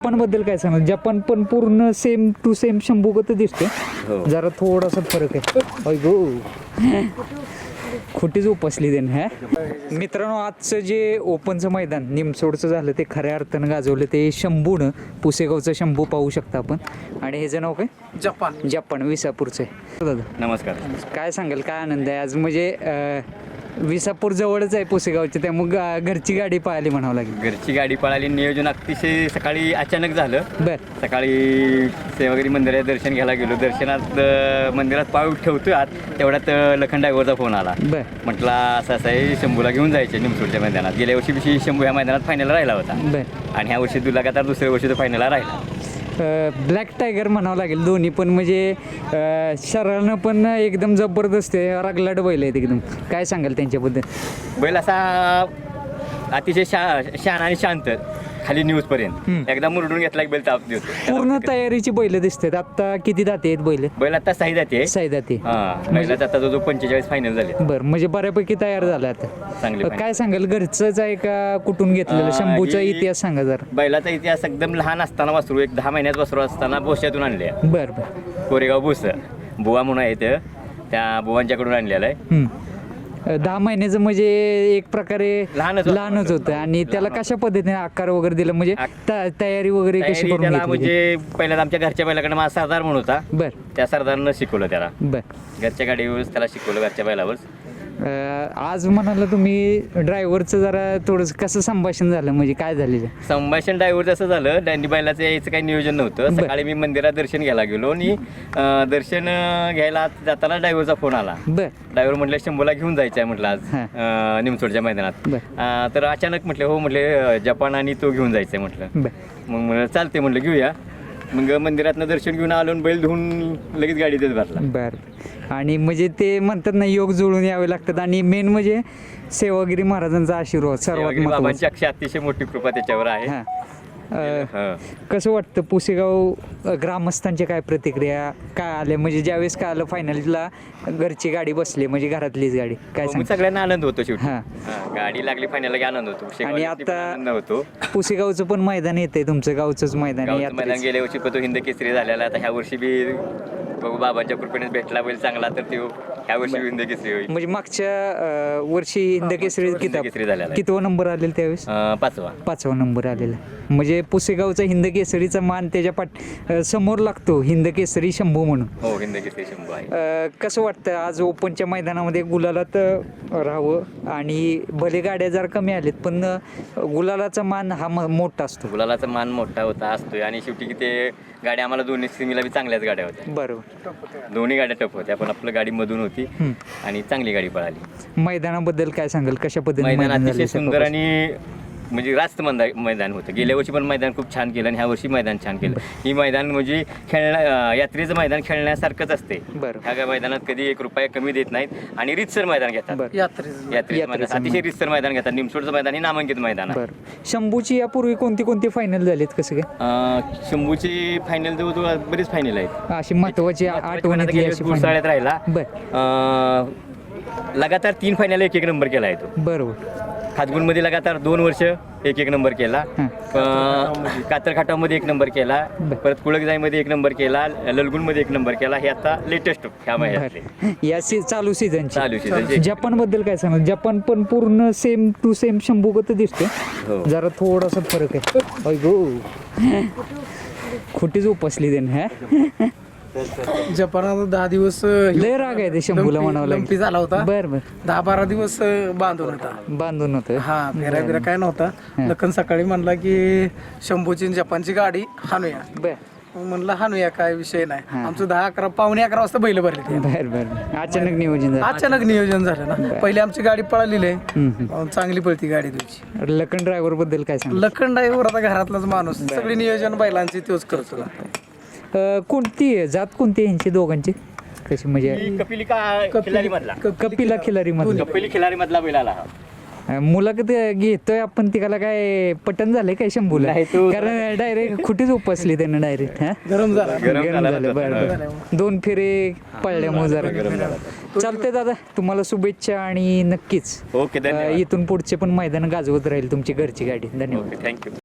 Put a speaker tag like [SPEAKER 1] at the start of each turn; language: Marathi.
[SPEAKER 1] जपान बद्दल काय सांगा? जपान पण पूर्ण सेम टू सेम शंभूगत दिसते, जरा थोडासा फरक आहे. अय गो खोटीच उपसली देणं. ह्या मित्रांनो, आजचं जे ओपनचं मैदान निमसोडचं झालं ते खऱ्या अर्थानं गाजवलं ते शंभूनं. पुसेगावचं शंभू पाहू शकता आपण. आणि ह्याचं नाव काय? जपान विसापूरचं आहे. दादा
[SPEAKER 2] नमस्कार.
[SPEAKER 1] काय सांगाल, काय आनंद आहे आज? म्हणजे विसापूर जवळच आहे पुसेगावच्या, त्यामुळे घरची गाडी पळाली म्हणावं लागेल.
[SPEAKER 2] घरची गाडी पळाली. नियोजन अतिशय सकाळी अचानक झालं.
[SPEAKER 1] बरं.
[SPEAKER 2] सकाळी वगैरे मंदिरात दर्शन घ्यायला गेलो. दर्शनात मंदिरात पाऊल ठेवतोय आत, तेवढ्यात लखन ड्रायव्हरचा फोन आला.
[SPEAKER 1] बरं.
[SPEAKER 2] म्हटला असं आहे, शंभूला घेऊन जायचे निमसोडच्या मैदानात. गेल्या वर्षी शंभू ह्या मैदानात फायनलला राहिला होता.
[SPEAKER 1] बरं.
[SPEAKER 2] आणि ह्या वर्षी लगातार दुसऱ्या वर्षी तो फायनलला राहिला.
[SPEAKER 1] ब्लॅक टायगर म्हणावं लागेल दोन्ही पण. म्हणजे शरीरानं पण एकदम जबरदस्त आहे, रगलाट बैल आहेत एकदम. काय सांगाल त्यांच्याबद्दल?
[SPEAKER 2] बैल असा अतिशय शहाणा आणि शांत, खाली न्यूजपर्यंत एकदा मुरडून घेतला की बैल ताप देतो.
[SPEAKER 1] पूर्ण तयारीची बैल दिसतात. आता किती दाते आहेत बैल?
[SPEAKER 2] बैल आता सही जाते.
[SPEAKER 1] दाते.
[SPEAKER 2] बैलात आता जो 45 फायनल झाले.
[SPEAKER 1] बरं, म्हणजे बऱ्यापैकी तयार झाला आता.
[SPEAKER 2] चांगले.
[SPEAKER 1] काय सांगाल, घरचंच आहे का कुठून घेतलेलं? शंभूचा इतिहास सांगा जरा.
[SPEAKER 2] बैलाचा इतिहास एकदम लहान असताना वासरू, एक 10 महिन्यात वासरू असताना बोश्यातून आणले.
[SPEAKER 1] बरं बरं.
[SPEAKER 2] कोरेगाव बोस बुवा म्हणून आहे ते, त्या बुवांच्याकडून आणलेलं आहे.
[SPEAKER 1] 10 महिन्याचं म्हणजे एक प्रकारे लहानच होतं. आणि त्याला कशा पद्धतीने आकार वगैरे दिला, म्हणजे तयारी वगैरे कशी करून
[SPEAKER 2] त्याला?
[SPEAKER 1] घेतली?
[SPEAKER 2] म्हणजे पहिल्यांदा आमच्या घरच्या बैलाकडे माझा सरदार म्हणून होता.
[SPEAKER 1] बर.
[SPEAKER 2] त्या सरदारनं शिकवलं त्याला.
[SPEAKER 1] बर.
[SPEAKER 2] घरच्या गाडीवर त्याला शिकवलं, घरच्या बैलावर.
[SPEAKER 1] आज म्हणाला तुम्ही ड्रायव्हरचं जरा थोडंसं कसं संभाषण झालं, म्हणजे काय झालेलं
[SPEAKER 2] संभाषण? ड्रायव्हर जसं झालं, त्यांनी बैलाचं यायचं काही नियोजन नव्हतं. सकाळी मी मंदिरात दर्शन घ्यायला गेलो आणि दर्शन घ्यायला जाताना ड्रायव्हरचा फोन आला.
[SPEAKER 1] बर.
[SPEAKER 2] ड्रायव्हर म्हटलं शंभूला घेऊन जायचं आहे म्हटलं आज निमसोडच्या मैदानात. तर अचानक म्हटलं हो, म्हटले जपान आणि तो घेऊन जायचं आहे म्हटलं. मग चालते म्हटलं घेऊया. मग मंदिरातनं दर्शन घेऊन आलो, बैल धुवून लगेच गाडीतच भरला.
[SPEAKER 1] बरं. आणि म्हणजे ते म्हणतात ना, योग जुळून यावे लागतात. आणि मेन म्हणजे सेवागिरी महाराजांचा आशीर्वाद सर्वात महत्त्वाचा.
[SPEAKER 2] बाबांची अतिशय मोठी कृपा त्याच्यावर आहे.
[SPEAKER 1] कसं वाटतं पुसेगाव ग्रामस्थांच्या काय प्रतिक्रिया काय आल्या, म्हणजे ज्यावेळेस काय आलं फायनलला घरची गाडी बसली, म्हणजे घरातलीच गाडी? काय सांग?
[SPEAKER 2] सगळ्यांना आनंद होतो शेवटी. गाडी लागली फायनलला की आनंद होतो.
[SPEAKER 1] आणि आता पुसेगावचं पण मैदान येतंय, तुमचं गावचंच मैदान.
[SPEAKER 2] गेल्या वर्षी पण तो हिंद केसरी झालेला. आता ह्या वर्षी बी बघू, बाबांच्या कृपेने भेटला बैल चांगला तर तो ह्या वर्षी हिंद केसरी होईल.
[SPEAKER 1] म्हणजे मागच्या वर्षी हिंद केसरी
[SPEAKER 2] झालेला.
[SPEAKER 1] कितवा नंबर आलेला त्यावेळेस? 5वा नंबर आलेला. म्हणजे पुसेगावचा हिंद केसरीचा मान त्याच्या समोर लागतो, हिंद केसरी शंभू म्हणून.
[SPEAKER 2] हो, हिंद केसरी शंभू आहे.
[SPEAKER 1] कसं वाटतं आज ओपनच्या मैदानामध्ये गुलालात राहावं? आणि भले गाड्या जर कमी आलेत, पण गुलालाचा मान हा मोठा असतो.
[SPEAKER 2] गुलालाचा मान मोठा असतोय. आणि शेवटी ते गाड्या आम्हाला दोन्ही सिमीला बी चांगल्याच गाड्या होत्या.
[SPEAKER 1] बरोबर.
[SPEAKER 2] दोन्ही गाड्या टफ होत्या, पण आपल्या गाडी मधून होती आणि चांगली गाडी पळाली.
[SPEAKER 1] मैदानाबद्दल काय सांगाल, कशा पद्धतीने?
[SPEAKER 2] मैदान अतिशय सुंदर आणि म्हणजे रास्त मैदान होतं. गेल्या वर्षी पण मैदान खूप छान केलं आणि ह्या वर्षी मैदान छान केलं. ही मैदान म्हणजे यात्रेचं मैदान खेळण्यासारखंच असते. ह्या मैदानात कधी 1 रुपया कमी देत नाहीत आणि रीतसर मैदान घेतात. यात्रेचं मैदान अतिशय रीतसर मैदान घेतात. निमसोडचं मैदान हे नामांकित मैदान आहे.
[SPEAKER 1] शंभूची यापूर्वी कोणती फायनल झालीत, कसं काय?
[SPEAKER 2] शंभूची फायनल जवळ बरीच फायनल आहेत.
[SPEAKER 1] अशी महत्वाची आठवणी
[SPEAKER 2] गुरसाळ्यात राहिला. लगातार 3 फायनल 1 नंबर केला आहे तो.
[SPEAKER 1] बरोबर.
[SPEAKER 2] खातगुणमध्ये लगातार 2 वर्ष 1 नंबर केला. कातरखाटामध्ये 1 नंबर केला. परत कुळकजाईमध्ये 1 नंबर केला. ललगुणमध्ये 1 नंबर केला. हे आता लेटेस्ट ह्या महिन्यातले
[SPEAKER 1] या चालू सीझनचे. जपान बद्दल काय सांगा? जपान पण पूर्ण सेम टू सेम शंभूगत दिसते, जरा थोडासा फरक आहे. अय गो खोटीच उपसली देणं. ह्या
[SPEAKER 3] जपानात 10 दिवस
[SPEAKER 1] लय राग आहे ते शंभूला म्हणावं
[SPEAKER 3] लंपी झाला होता.
[SPEAKER 1] बरं.
[SPEAKER 3] 10-12 दिवस बांधून होता.
[SPEAKER 1] हा,
[SPEAKER 3] फेरा काय नव्हता. लखन सकाळी म्हणला की शंभूची जपानची गाडी हाणूया. म्हणलं हाणूया, काय विषय नाही. आमचं 10-11 पावणे 11 वाजता बैल भरले.
[SPEAKER 1] बरं. अचानक नियोजन झालं
[SPEAKER 3] ना. पहिले आमची गाडी पळालेली आहे, चांगली पळती गाडी तुमची.
[SPEAKER 1] लखन ड्रायव्हर बद्दल काय सांग?
[SPEAKER 3] लखन ड्रायव्हर आता घरातलाच माणूस, सगळी नियोजन बैलांची तोच करतो.
[SPEAKER 1] कोणती जात कोणती यांची दोघांची? कशी म्हणजे? कपिला खिलारी
[SPEAKER 2] मधला बैल आला.
[SPEAKER 1] मुलाखत घेतोय आपण, तिला काय पटन झालंय काय शंभूला? कारण डायरेक्ट खुटीच उपसली त्यानं डायरेक्ट.
[SPEAKER 3] गरम झालं.
[SPEAKER 1] बरं. 2 फेरे पळल्यामुळे जरा चालतंय. दादा तुम्हाला शुभेच्छा आणि नक्कीच
[SPEAKER 2] ओके,
[SPEAKER 1] इथून पुढचे पण मैदान गाजवत राहील तुमची घरची गाडी. धन्यवाद.
[SPEAKER 2] थँक्यू.